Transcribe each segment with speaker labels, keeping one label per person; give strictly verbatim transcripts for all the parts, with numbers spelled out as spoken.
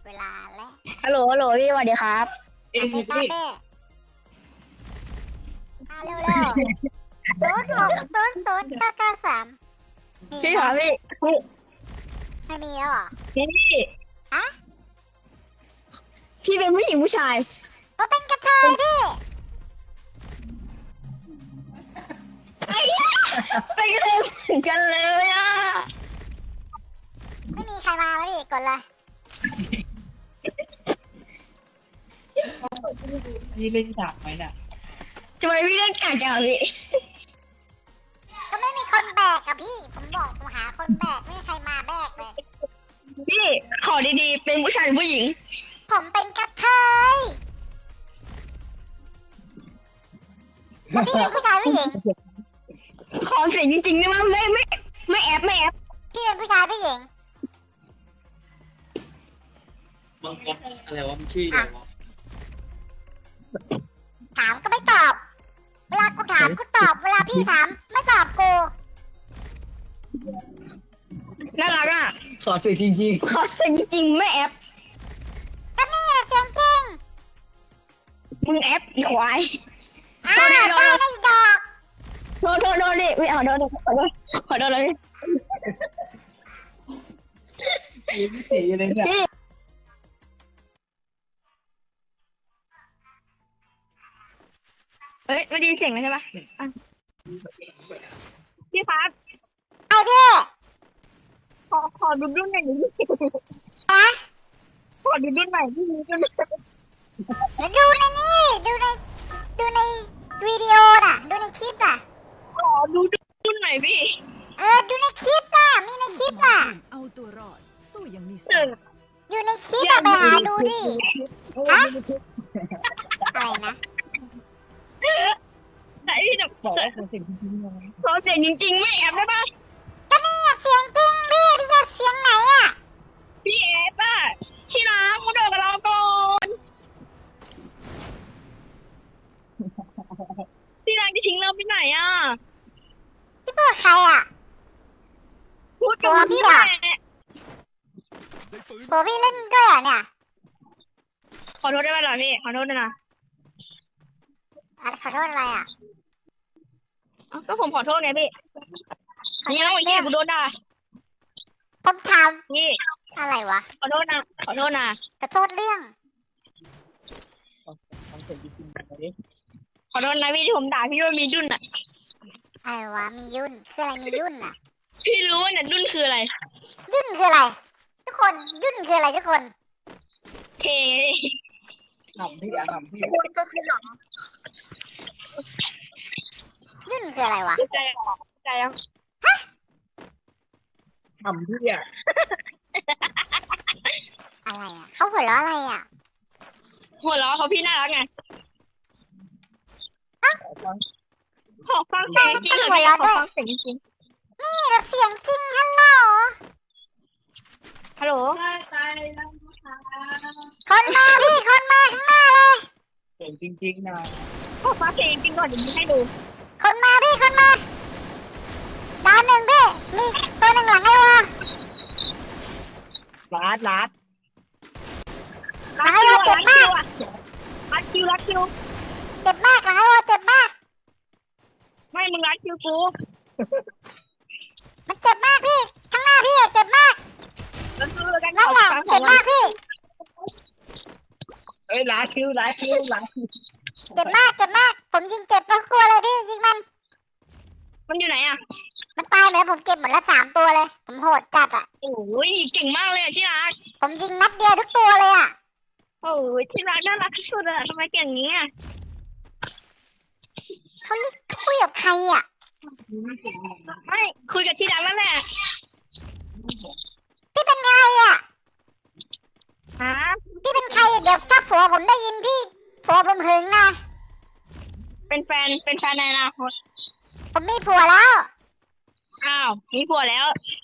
Speaker 1: เวลาแล้ว
Speaker 2: ฮัลโหลฮัลโหลพี่สวัสดีครับ
Speaker 3: เองพี่
Speaker 1: เต้มาเร็วเร็วศูนย์หกศูนย์ศูนย์เก้าเก้าสามมี
Speaker 2: พี่
Speaker 1: ไหม
Speaker 2: ครับพี่พี่
Speaker 1: ไม่มีแล้วเหรอ
Speaker 2: พี่
Speaker 1: ฮะ
Speaker 2: พี่เป็นผู้หญิงผู้ชาย
Speaker 1: ก็เป็นกระเทยพี่
Speaker 2: ไอ้ยะไปกันเลยเหมือนกันเลยอ่ะ
Speaker 1: ไม่มีใครมาแล้วพี่กดเลย
Speaker 3: พี่เล่นฉากไหมน่ะ
Speaker 2: ทำไมพี่เล่นกากจังพี่
Speaker 1: ก็ไม่มีคนแบกอะพี่ผมบอกผมหาคนแบกไม่มีใครมาแบกเลย
Speaker 2: พี่ขอดีๆเป็นผู้ชายหรือผู้หญิง
Speaker 1: ผมเป็นกระเทยแล้วพี่เป็นผู้ชายผู้หญิง
Speaker 2: ขอเสียงจริงๆได้ไหมไม่ไม่ไม่แอบไม่แอบ
Speaker 1: พี่เป็นผู้ชายผู้หญิง
Speaker 3: บางคนอะไรวะมันชื่ออะไรวะ
Speaker 1: ถามก็ไม่ตอบ เวลากูถามกูตอบ เวลาพี่ถามไม่ตอบกู
Speaker 2: น่ารักอ่ะ
Speaker 3: ขอสื่อจริง
Speaker 2: ขอเสียงจริงๆไม่แอบ
Speaker 1: ก็นี่แหละเสียงจริง
Speaker 2: มึงแอบอีควาย
Speaker 1: อ้าวได้ได้อีดอก
Speaker 2: โทษโทษโทษดิไม่เอาโทษโทษขอโทษขอโทษเลย
Speaker 3: ๆยิ้มสีเลยเนี่ย
Speaker 2: พี่เอ้ยไม่ได้ยินเสียงเลยใช่ปะอ่ะพี่ครับ
Speaker 1: ไอพี่
Speaker 2: ขอขอดูรุ่นหน่อยดิ
Speaker 1: ฮะ
Speaker 2: ขอดูรุ่นหน่อยพี่ดูรุ่นหน่อย
Speaker 1: เดี๋ยวดูในนี่ ดูใน ดูในวิดีโอน่ะ ดูในคลิปน่ะ
Speaker 2: ขอดูรุ่นหน่อยพี่
Speaker 1: เออ ดูในคลิปน่ะ มีในคลิปน่ะ
Speaker 4: เอาตัวรอด สู้ยังมี
Speaker 2: เอ
Speaker 4: สา
Speaker 2: อ
Speaker 4: ระ
Speaker 1: อยู่ในคลิปอะไปหาดูดิ ฮะ อะไรนะ
Speaker 2: ไหนพี่จะ
Speaker 3: ขอขอสิ่งจริงๆเลย
Speaker 2: ขอเสียงจริงๆไม่แอบได้ปะ
Speaker 1: ก็นี่อะเสียงจริงพี่ พี่จะเสียงไหนอะ
Speaker 2: พี่แอบป่ะที่รักมาเดินกับเราก่อนที่รักจะทิ้งเราไปไหนอ่ะ
Speaker 1: พี่พูดกับใครอะ
Speaker 2: พูดกับ
Speaker 1: ตัวพี่อะ
Speaker 2: แหละ
Speaker 1: โหพี่เล่นด้วยเหรอเนี่ย
Speaker 2: ขอโทษได้ไหมล่ะพี่ขอโทษด้วยนะ
Speaker 1: อะขอโทษอะไรอะ
Speaker 2: เอ้าก็ผมขอโทษไงพี่นี่แล้วพี่กูโดนด่า
Speaker 1: ผมถาม
Speaker 2: พี่
Speaker 1: อะไรวะ
Speaker 2: ขอโทษนะขอโทษนะ
Speaker 1: ขอโทษเรื่อง
Speaker 3: ขอสิ่งจริงๆเลย
Speaker 2: ขอโทษนะพี่ที่ผมด่าพี่ว่ามีดุนอ่ะ
Speaker 1: อะไรวะ มียุ่น คืออะไร มียุ่นอะ
Speaker 2: พี่รู้ว่าเนี่ยดุนคืออะไร
Speaker 1: ยุ่นคืออะไร ทุกคน ยุ่นคืออะไรทุกคน
Speaker 2: เทไง
Speaker 3: ทำพี่อะทำพี่
Speaker 2: ก็คือหลัง
Speaker 1: ยุ่นคืออะไรวะ
Speaker 2: ใจออกใจออก
Speaker 3: ทำพี่อะ
Speaker 1: อะไรอะเขาหัวเราะอะไรอะ
Speaker 2: หัวเราะเขาพี่น่ารักไง
Speaker 3: ขอฟัง
Speaker 2: ขอฟังเสียงจริงเถอะพี่ขอฟังเสียงจริง
Speaker 1: นี่เราเสียงจริงฮัลโหล
Speaker 2: ฮัลโหล
Speaker 1: คนมาพี่ คนมาข้างหน้าเลย
Speaker 3: เสียงจริงๆนะ
Speaker 2: ขอฟังเสียงจริงก่อนเดี๋ยวมีให้ดู
Speaker 1: คนมาพี่ คนมา ดาวหนึ่งพี่ มีตัวหนึ่งหลังไอ้วะ
Speaker 3: รัดรัด
Speaker 1: หลังไอ้วะเจ็บมาก
Speaker 2: รัดคิวรัดคิว
Speaker 1: เจ็บมากหลังไอ้วะเจ็บมาก
Speaker 2: ไม่มึงรัดคิวกู
Speaker 1: มันเจ็บมากพี่ ข้างหน้าพี่อะเจ็บมาก
Speaker 2: แล้วคือกัน
Speaker 1: นั่นแหละเจ็บมากพี่
Speaker 3: เอ้ยรัดคิวรัดคิวรัดคิว
Speaker 1: เจ็บมาก เจ็บมาก ผมยิงเจ็บแล้วกลัวเลยพี่ ยิงมัน
Speaker 2: มันอยู่ไหนอ่ะ
Speaker 1: มันตายเหมือนผมเก็บหมดละสามตัวเลย ผมโหดจัดอะ
Speaker 2: โอ้ยเก่งมากเลยอะที่รัก
Speaker 1: ผมยิงนัดเดียวทุกตัวเลยอะ
Speaker 2: โอ้ยที่รักน่ารักที่สุดอะทำไมเก่งอย่างนี้อะ
Speaker 1: เขาเรียกคุยกับใครอะ
Speaker 2: ไม่คุยกับที่รักนั่นแหละ
Speaker 1: พี่เป็นใครอะ
Speaker 2: ฮะ
Speaker 1: พี่เป็นใครอะเดี๋ยวถ้าผัวผมได้ยินพี่ผัวผมหึงนะ
Speaker 2: เป็นแฟนเป็นแฟนในอนาคต
Speaker 1: ผมมีผัวแล้ว
Speaker 2: อ้าวมีผัวแล้ว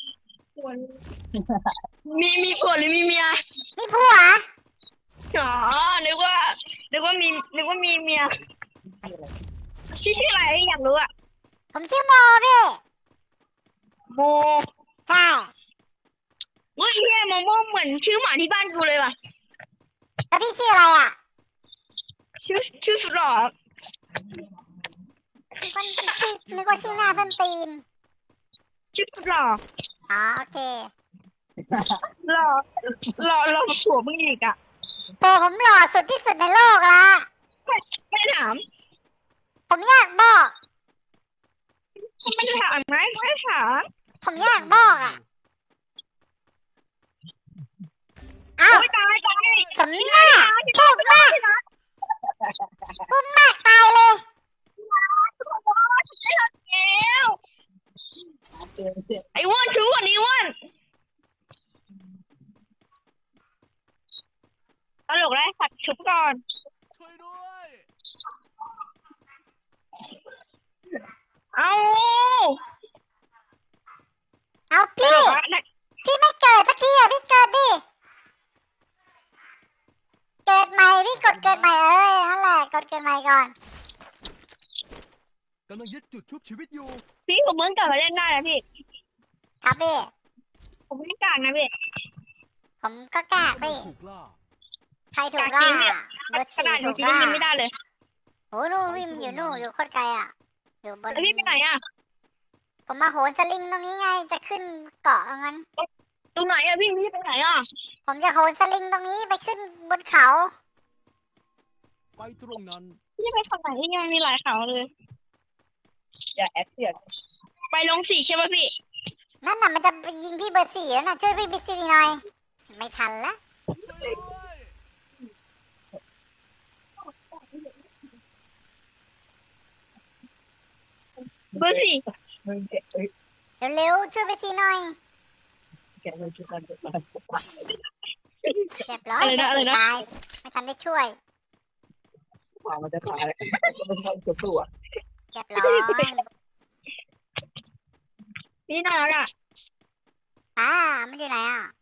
Speaker 2: มีมีผัวหรือมีเมีย
Speaker 1: มีผัว
Speaker 2: อ๋อนึกว่านึกว่ามีนึกว่ามีเมียชื่อชื่ออะไรอยากรู้อะ
Speaker 1: ผมชื่อโมพี่
Speaker 2: โม
Speaker 1: ใช่
Speaker 2: เฮ้ยเฮียโมโมเหมือนชื่อหมาที่บ้านกูเลยว่ะ
Speaker 1: แล้วพี่ชื่ออะไรอ่ะ
Speaker 2: ชื่อชื่อสุดหล่อ
Speaker 1: นึกว่าชื่อนึกว่าชื่อหน้าส้นตีน
Speaker 2: ชื่อสุดหล่อ
Speaker 1: อ๋อโอเค
Speaker 2: หล่อหล่อหล่อผัวมึงอีกอ่ะ
Speaker 1: โตผมหล่อสุดที่สุดในโลกละ
Speaker 2: ไม่ไม่ถาม
Speaker 1: ผมอยากบอก
Speaker 2: ไม่ถามไหมไม่ถาม
Speaker 1: ผมอยากบอกอ่ะเอ้า
Speaker 2: โอ้ยตายตาย
Speaker 1: สมหน้าพูดมากพูดมากตายเลย
Speaker 2: แล้ว
Speaker 3: เตือนเจ็บ
Speaker 2: ไอ้อ้วนชู้อันนี้อ้วนตลกแล้วสัตว์ชุบก่อน
Speaker 5: ช่วยด้วย
Speaker 2: เอา
Speaker 1: เอา
Speaker 2: ต
Speaker 1: พี่
Speaker 2: ลกแล้ว
Speaker 1: พี่ไม่เกิดสักทีอ่ะพี่เกิดดิเกิดใหม่พี่กดเกิดใหม่เอ้ยนั่นแหละกดเกิดใหม่ก่อน
Speaker 5: กำลังยึดจุดชุบชีวิตอยู่
Speaker 2: พี่ผมเพิ่งกลับมาเล่นได้นะพี่
Speaker 1: ครับพี่
Speaker 2: ผมไม่กลางนะพี่
Speaker 1: ผมก็กล้าพี่
Speaker 5: ถูกล่า
Speaker 1: ใครถูกล่าเบอร์
Speaker 2: ข
Speaker 1: สี่
Speaker 2: นาดหนู
Speaker 1: ถูก
Speaker 2: คิด
Speaker 1: ล่า
Speaker 2: ว่ายิงไม่ได้เลย
Speaker 1: โอ้นู่นวิ่งอยู่นู่นอยู่โคตรไกลอ่ะอยู่บน
Speaker 2: แล้วพี่ไปไหนอ่ะ
Speaker 1: ผมมาโหนสลิงตรงนี้ไงจะขึ้นเกาะเอางั้น
Speaker 2: ตรงไหนอ่ะพี่พี่ไปไหนอ่ะ
Speaker 1: ผมจะโหนสลิงตรงนี้ไปขึ้นบนเขา
Speaker 5: ไปตรงนั้น
Speaker 2: พี่ไปฝั่งไหนที่ยังมีหลายเขาเลย
Speaker 3: อย่าแอคเสียง
Speaker 2: ไปลงสี่ใช่ป่ะพี่
Speaker 1: นั่นน่ะมันจะไปยิงพี่เบอร์สี่แล้วน่ะช่วยพี่เบอร์สี่หน่อยไม่ทันละ
Speaker 5: ช่วยด้วย
Speaker 2: เบอร์สี่
Speaker 3: มึงแกะเอ้ย
Speaker 1: เร็วๆช่วยเบอร์สี่หน่อย
Speaker 3: แกะมึงชุดกันชุดกัน
Speaker 1: เรียบร้อยเบอร์สี่ตายไม่ทันได้ช่วย
Speaker 3: ขวามันจะตายเลยมันทำสุดตัว
Speaker 1: เรียบร้อย
Speaker 2: พี่น่ารักอ่ะ
Speaker 1: อ่ามันอยู่ไหนอ่ะ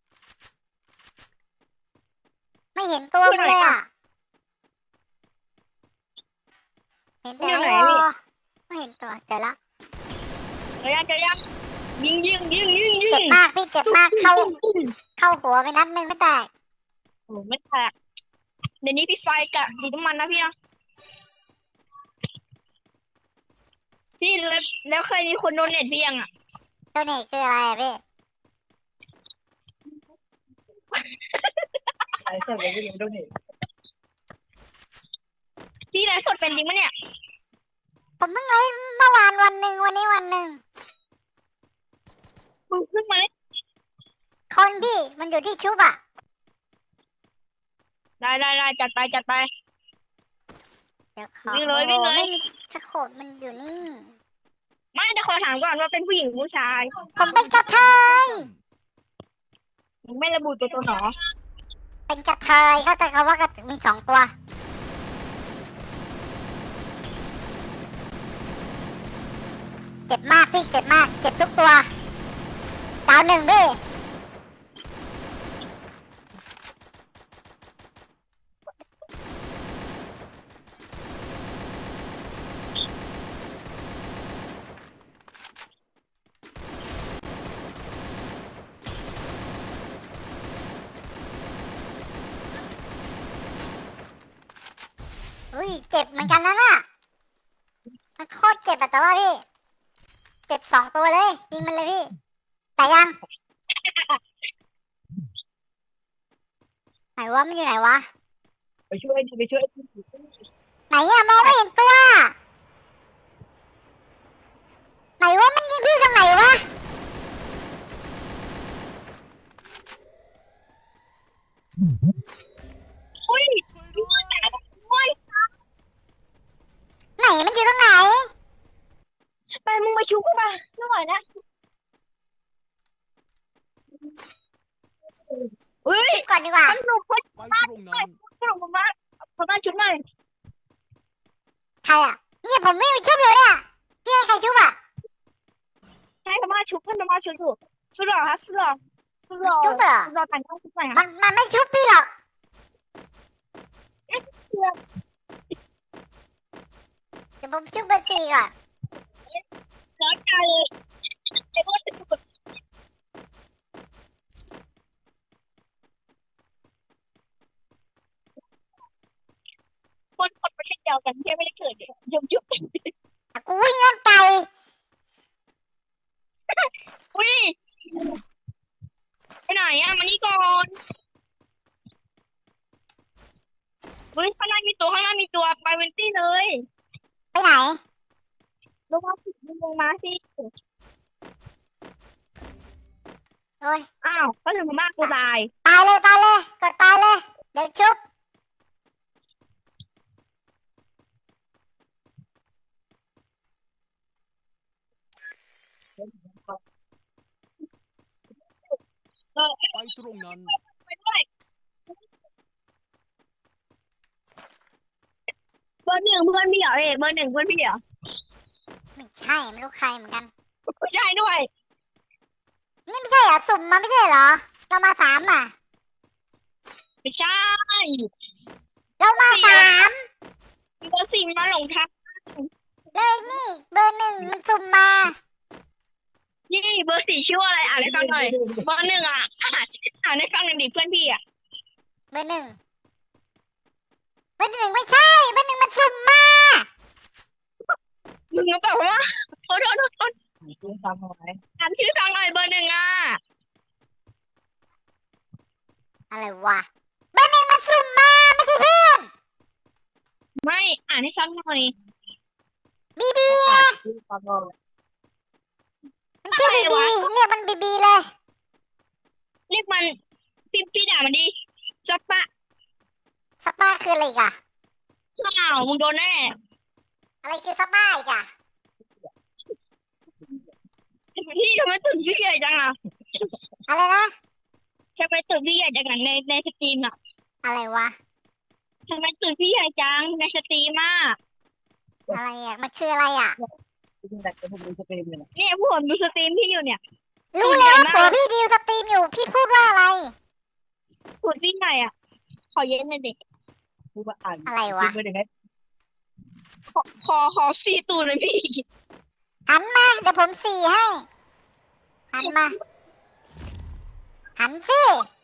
Speaker 1: ไม่เห็นตัวมันเลยอ่ะเห็นแต่ไอ้วอไม่เห็นตัวเจอละ
Speaker 2: เดี๋ยวยังเดี๋ยวยังยิงยิงยิงยิงยิ
Speaker 1: เจ็บ
Speaker 2: ง
Speaker 1: มากพี่เจ็บมากเข้าเข้าหัวไปนัดหนึงไม่แตก
Speaker 2: โอ้ไม่แตกเดี๋ยวนี้พี่ไฟกะดีน้ำมันนะพี่นะพี่แล้วแล้วเคยมีคนโดนเน็ตพี่ยังอ่ะ
Speaker 1: ตัวนี้คืออะไรอะพี่
Speaker 3: ไอ้เจ้าเลยไม่รู้ด้วยนี่
Speaker 2: พี่ไลฟ์สดเป็นจริงปะเนี่ย
Speaker 1: ผมเพิ่งไลฟ์เมื่อวานวันหนึ่งวันนี้วันหนึ่ง
Speaker 2: มึงขึ้นมาเลย
Speaker 1: คนพี่มันอยู่ที่ชุบอ่ะ
Speaker 2: ได้ได้ได้จัดไปจัดไป
Speaker 1: เดี๋ยวขอ
Speaker 2: วิ่งเลยวิ่งเลย
Speaker 1: โอ้ไม่มีสโคปมันอยู่นี่
Speaker 2: ไม่แต่ขอถามก่อนว่าเป็นผู้หญิงหรือผู้ชาย
Speaker 1: ผมเป็นกระเทย
Speaker 2: มึงไม่ระบุตัวตนหรอ
Speaker 1: เป็นกระเทยเข้าใจคำว่ากระมีสองตัว เจ็บมากพี่เจ็บมาก เจ็บทุกตัวดาวหนึ่งพี่ อุ้ยเจ็บเหมือนกันนะน่ะมันโคตรเจ็บอะแต่ว่าพี่ เจ็บสองตัวเลยยิงมันเลยพี่ แต่ยัง ไหนวะมันอยู่ไหนวะ
Speaker 3: ไปช่วยไปช่วย
Speaker 1: ไหนอะมองไม่เห็นตัว ไหนวะมันยิงพี่ตรงไหนวะ
Speaker 2: อุ้ยอุ้ย
Speaker 1: ไหนมันอยู่ตรงไหน
Speaker 2: ไปมึงมาชุบกันมาไม่ไหวนะอุ้ย
Speaker 1: ก่อนดีกว่า
Speaker 2: มันหนุกคน
Speaker 5: ไปตรงนั้น
Speaker 2: สนุกมากขอบ้านชุบหน่อย
Speaker 1: ใครอะเนี่ยผมไม่มีชุบอยู่เนี่ยพี่ให้ใครชุบอะ
Speaker 2: ให้ขอบ้านชุบให้ขอบ้านชุบถูกสุดหล่อครับสุดหล่อสุดหล่อ
Speaker 1: ชุบเหรอ
Speaker 2: สุดหล่อแต่งต้องชุบหน่อยค
Speaker 1: มั
Speaker 2: รับ
Speaker 1: นมันไม่ชุบพี่หรอกเดี๋ยวผมชุบเบอร์สี่ก่อน
Speaker 2: ร้อนใจเลยไอ้พวกสุดวกันแค่ไม่ได้เกิดยุบยุบ
Speaker 1: อ่ะกูวิ่งเล่นไก่
Speaker 2: อุ้ยไปไหนอ่ะมานี่ก่อนเฮ้ยข้างหน้ามีตัวข้างหน้ามีตัวไปเวนตี้เลย
Speaker 1: ไปไหน
Speaker 2: ลงมาสิลงมาสิ
Speaker 1: โอ้ย
Speaker 2: อ้าวก็ถึงมากกูตาย
Speaker 1: ตายเลยตายเลยกดตายเลยเดี๋ยวชุบ
Speaker 2: เออ
Speaker 5: ไปตรงนั้น
Speaker 2: ไปด้วยเบอร์หนึ่งเพื่อนพี่เหรอเอกเบอร์หนึ่งเพื่อนพี่เหรอ
Speaker 1: ไม่ใช่ไม่รู้ใครเหมือนกัน
Speaker 2: ไม่ใช่ด้วย
Speaker 1: นี่ไม่ใช่เหรอสุ่มมาไม่ใช่เหรอเรามาสามอ่ะ
Speaker 2: ไม่ใช่
Speaker 1: เรามาสาม
Speaker 2: เบอร์สี่มันมาหลงทาง
Speaker 1: เลยนี่เบอร์หนึ่งมันสุ่มมา
Speaker 2: นี่เบอร์สี่ชื่อว่าอะไรอ่านให้ฟังหน่อยเบอร์หนึ่งอ่ะอ่านอ่านให้ฟังหน่อยดิเพื่อนพี่อ่ะ
Speaker 1: เบอร์หนึ่งเบอร์หนึ่งไม่ใช่เบอร์หนึ่งมันสุ่มมา
Speaker 2: มึงรู้เปล่าว่าโทษโทษโทษโทษ
Speaker 3: คุณทำอะไร
Speaker 2: อ่านชื่อฟังหน่อยเบอร์หนึ่งอ่ะ
Speaker 1: อะไรวะเบอร์หนึ่งมันสุ่มมาไม่ใช่เพื่อน
Speaker 2: ไม่อ่านให้ฟังหน่อย
Speaker 1: บีบี
Speaker 3: คุณทำอะไร
Speaker 1: มันชื่อบีบีเรียกมันบีบีเลย
Speaker 2: เรียกมันพี่พี่ด่ามันดิจับปะ
Speaker 1: สปาคืออะไรอีกอะ
Speaker 2: อ้าวมึงโดนแน่
Speaker 1: อะไรคือสปาอีกอะ
Speaker 2: พี่ทำไมตื่นพี่ใหญ่จังอ่ะ
Speaker 1: อะไรนะ
Speaker 2: ทำไมตื่นพี่ใหญ่จังอ่ะในในสตรีมอ่ะ
Speaker 1: อะไรวะ
Speaker 2: ทำไมตื่นพี่ใหญ่จังในสตรีมอ่ะ
Speaker 1: อะไรอะมันคืออะไรอะ
Speaker 3: คุณแต่จะพูดจะเป็นยังไง
Speaker 2: เนี่ยผู้ผมดูสตรีมพี่อยู่เนี่ย
Speaker 1: รู้แล้วผัวพี่ดิวสตรีมอยู่พี่พูดว่าอะไร
Speaker 2: พูดพี่ใหญ่อ่ะ ขอเย็นหน่อยดิ
Speaker 3: พูดว่าอ่าน
Speaker 1: อะไรวะ
Speaker 3: เป็นยังไง
Speaker 2: ขอขอขอซีตูนเลยพี่
Speaker 1: หันมาเดี๋ยวผมสี่ให้ หันมา หันสิ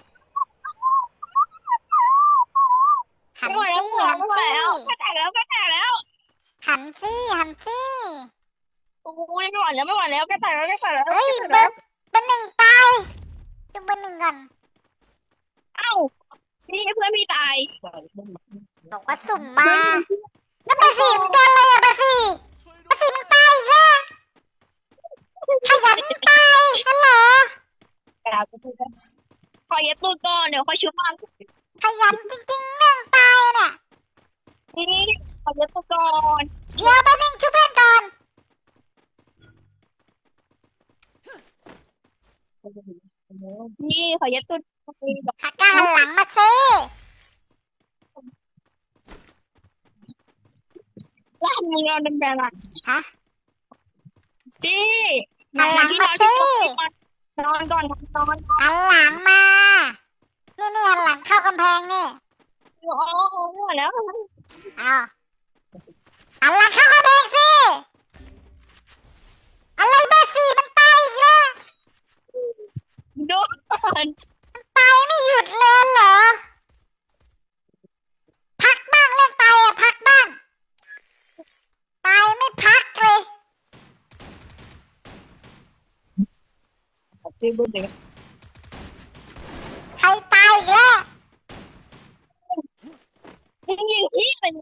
Speaker 1: หัน
Speaker 2: ไม่ไหว
Speaker 1: สิ
Speaker 2: แล้วไม่ไหว
Speaker 1: หัน
Speaker 2: แล้ว
Speaker 1: สิ
Speaker 2: ไม่ไหวแล้วก็แตกแล้ว
Speaker 1: หันสิหันสิ
Speaker 2: โอ้ยไม่ไหวแล้วไม่ไหวแล้วก็แตกแล้วก็แตกแล้ว
Speaker 1: เฮ้ยเบอร์เบอร์หนึ่งตายจุ่มเบอร์หนึ่งก่อน
Speaker 2: เอ้านี่เพื่อนพี่ตาย
Speaker 1: บอกว่าสุ่มมาแล้วเบอร์สี่มันโดนอะไรอะเบอร์สี่เบอร์สี่มันตายอีกแล้วขยันตายฮัลโหล
Speaker 3: กาจะพูดว่า
Speaker 2: ขอเย็บตูนก่อนเดี๋ยวค่อยชุบมัน
Speaker 1: ขยันจริงๆเรื่องตายเนี่ย
Speaker 2: นี่ขอเย็บตูนก่อน
Speaker 1: เดี๋ยวแป๊บนึงช่วยเพื่อนก่อน
Speaker 2: นี่ขอเย็บตูน
Speaker 1: หักกาหันหลังมาซิ
Speaker 2: ล่างมึงนอนเป็นแบบอ่ะ
Speaker 1: ฮะ
Speaker 2: พี่
Speaker 1: หันหลังมาซิ
Speaker 2: นอนก่อนนอนก่อน
Speaker 1: หันหลังมา นี่นี่หันหลังเข้ากำแพงนี่
Speaker 2: โอ้โหไม่ไหวแล้ว
Speaker 1: เอาหันหลังเข้ากำแพงสิอะไรเบอร์สี่มันตายอีกแล้ว
Speaker 2: ดูก่อน
Speaker 1: ตายไม่หยุดเลยเหรอ พักบ้างเล่นตายอะพักบ้าง ตายไม่พักเลย
Speaker 3: เจ้าบุญเด็ก
Speaker 1: ใครตายอีกแล้ว
Speaker 2: ยิงยิงพี่เป็น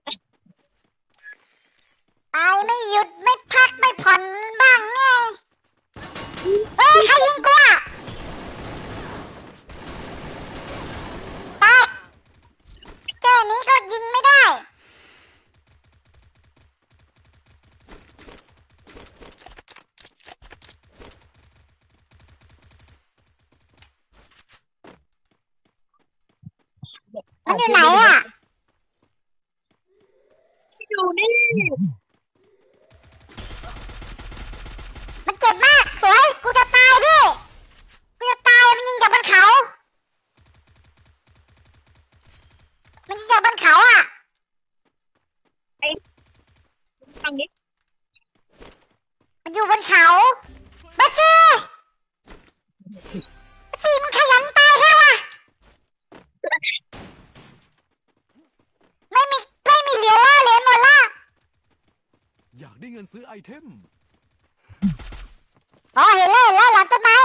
Speaker 1: ตายไม่หยุดไม่พักไม่ผ่อนบ้างไงเฮ้ยใครยิงกูอะตายแค่นี้ก็ยิงไม่ได้ มันอยู่ไหนอ่ะ
Speaker 2: อยู่นี่
Speaker 1: มันเจ็บมาก สวย กูจะตายพี่ กูจะตาย มันยิงจากบนเขา มันยิงจากบนเขาอ่ะ
Speaker 2: ทางนี้
Speaker 1: มันอยู่บนเขาบัสซี่บัสซี่มันขยันตายแค่วะไม่มีไม่มีเหลือแล้วเหลือหมดแล้ว
Speaker 5: งินซื้อไอเทม
Speaker 1: อ๋อเห็นแล้วเห็นแล้วหลังต้นไม้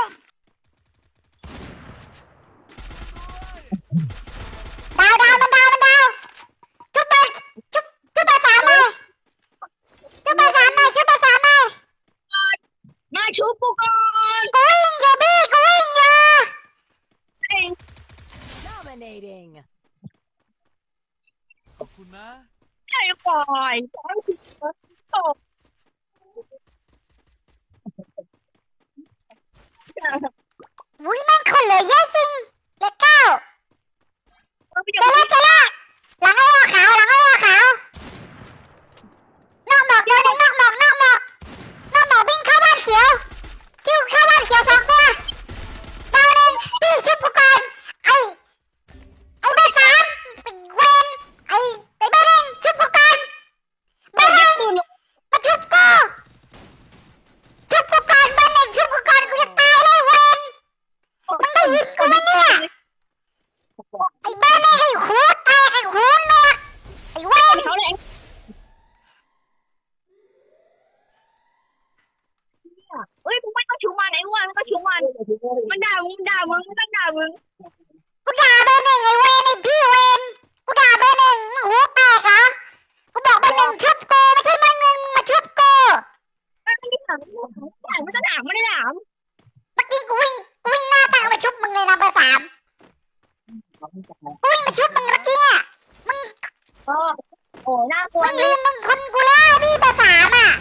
Speaker 1: ดาวดาวมันดาวมันดาวจุ๊บไปจุ๊บจุ๊บไปสามเลยจุ๊บไปสามเลยจุ๊บไปสามเลย
Speaker 2: มาชุบกูก่อน
Speaker 1: กูวิ่งอยู่พี่กูวิ่งอยู่
Speaker 2: เอง
Speaker 4: Dominating.
Speaker 5: ขอบคุณนะ
Speaker 2: ใช่ปล่อยปล่อยตก
Speaker 1: อุ้ยแม่งคนเหลือเยอะจริงเหลือเก้า
Speaker 2: เราไป
Speaker 1: เจ
Speaker 2: เดี๋ยว
Speaker 1: อแล้วเจอแล้วหลังไอ้วัวขาวหลังไอ้วัวขาวนอกหมอกตัวหนึงนอกหมอกนอกหมอกนอกหมอกวิ่งเข้าบ้านเขียวจิ้วเข้าบ้านเขียวสองตัวดาวหนึ่งพี่ชุบกูก่อนไอ้ไอ้เบอร์สามไอ้เวนไอ้ไอ้เบอร์หนึ่งชุบกูก่อนเบอร์หนึ่งมาชุบกูชุบกูก่อนเบอร์หนึ่งชุบกูก่อนกูจะตายเลยเวนมึงได้ยินกูไหมเนี่ยไอ้เบอร์หนึ่งไอ้หูแตกไอ้หูหนวกไอ้เวน
Speaker 2: เขาเลยเฮ้ยมึงไม่ต้องชุบมันไอ้อ้วนไม่ต้องชุบมันมันด่ามึงด่ามึงไม่ต้องด่ามึง
Speaker 1: กูด่าเบอร์หนึ่งไอ้เวนไอ้พี่เวนกูด่าเบอร์หนึ่งมึงหูแตกเหรอกูบอกเบอร์หนึ่งชุบกูไม่ใช่มึงมึงมาชุบกู
Speaker 2: ไม่ได้ด่าไม่ได้ด่าไม่ได้ด่า
Speaker 1: เมื่อกี้กูวิ่งกูวิ่งหน้าตามาชุบมึงเลยนะเบอร์สามกูวิ่งมาชุบมึงเมื่อกี้อะมึง
Speaker 2: เออโอ้น่ากลัว
Speaker 1: มึง
Speaker 2: เล
Speaker 1: ลื
Speaker 2: ย
Speaker 1: มมึงคนกูแล้วพี่เบอร์สามอ่ะ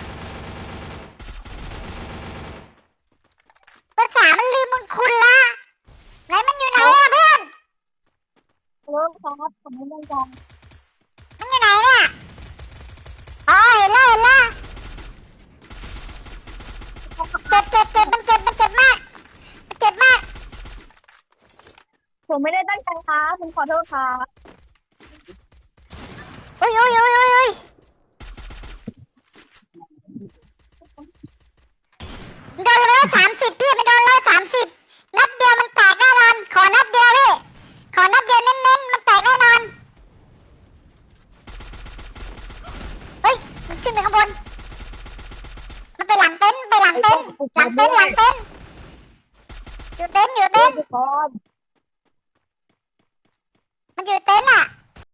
Speaker 1: เบอร์สามมันลืมมึงคุณละไหนมันอยู่ไหนอะเพื่อน
Speaker 2: เออครับผมไม่ได้ด่า
Speaker 1: มันอยู่ไหนเนี่ยอ๋อเห็นแล้วเห็นแล้วเจ็บเจ็บเจ็บมันเจ็บมันเจ็บมากมันเจ็บมาก
Speaker 2: ผมไม่ได้ตั้งใจครับผมขอโทษครับ
Speaker 1: โอ้ยโอ้ยโอ้ยโอ้ยโอ้ยโดนร้อยสามสิบพี่มันโดนร้อยสามสิบนัดเดียวมันแตกแน่นอนขอนัดเดียวพี่ขอนัดเดียวเน้นๆมันแตกแน่นอนเฮ้ยมันขึ้นไปข้างบนมันไปหลังเต็นท์ไปหลังเต็นท์หลังเต็นท์หลังเต็นท์อยู่เต็นท์อยู่เต็นท์
Speaker 2: ก่อน
Speaker 1: มันอยู่เต็นท์อ่ะ